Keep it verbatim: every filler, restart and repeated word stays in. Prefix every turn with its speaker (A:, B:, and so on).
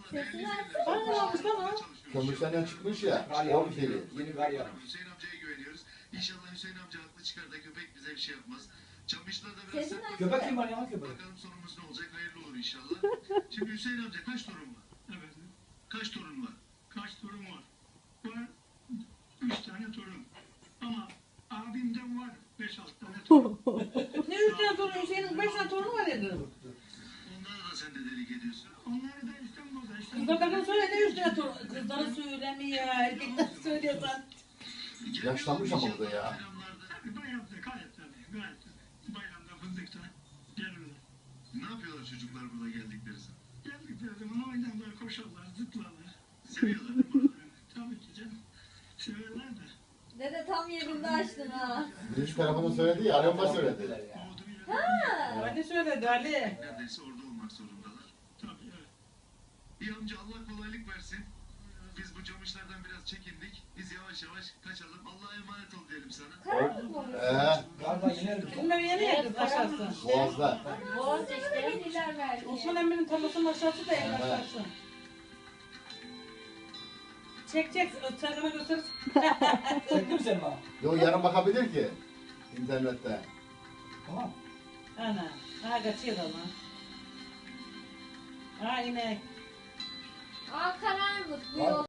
A: Sesini aç.
B: Bana almış lan o.
C: Kömürsen'den çıkmış ya.
D: Kar
C: O
D: yağmış.
C: deli.
D: Yeni kar yağmış.
E: Hüseyin amcaya güveniyoruz. İnşallah Hüseyin amca haklı çıkar da köpek bize bir şey yapmaz. Camışlar da biraz
A: Sesini aç.
D: Köpek kim var ya köpek?
E: bakalım sonumuz ne olacak, hayırlı olur inşallah. Şimdi Hüseyin amca kaç torun var?
F: Evet.
E: Kaç torun var?
F: Kaç torun var? Var üç tane torun. Ama abimden var beş altı tane torun.
B: Ne üç tane torun Hüseyin'in beş tane torunu var dedi.
E: Onları da sen de delik ediyorsun.
F: Onları da İstanbul'da
B: Kızlarına söyle ne üç tane torun. Kızlara söylemiyor. Erkekler söylüyorsan.
C: Yaşlanmış ama bu da ya.
E: Bayramlarda
F: Tabii bayramda gayet tabii. Gayet tabii. Bayramda fındıkta gelirler.
E: ne yapıyorlar çocuklar burada geldikleri zaman?
F: Geldikleri zaman oynarlar, koşarlar, zıplarlar.
E: Seviyorlar değil mi?
F: Tabii ki canım. Severler de.
A: Dede tam yerinde açtın ha.
C: Birinci tarafını söyledi ya. Arama söyledi.
F: Olduğu yerde.
A: Ha.
B: Hadi söyledi Ali.
E: Neredeyse orada olmak zorundalar.
F: Tabii evet.
E: İyi amca, Allah kolaylık versin. Biz bu camışlardan biraz çekindik. Biz yavaş yavaş kaçalım. Allah'a emanet ol diyelim sana.
A: Karanlık mı oluyor?
C: Ee,
D: Galiba iner mi?
B: Bunları yeni yakız aşağısı.
C: Boğaz'da.
A: Boğaz işte hediyeler verdi.
B: Osman Emre'nin tarlasının aşağısı da en aşağısı. Çek çek. Çakına göster.
D: Çektin mi sen bana?
C: Yo yarın bakabilir ki. İnternette.
D: Tamam.
B: Ana. Ha kaçıyor ama. Ha inek.
A: Aa karanlık bu
D: Var.
A: yol.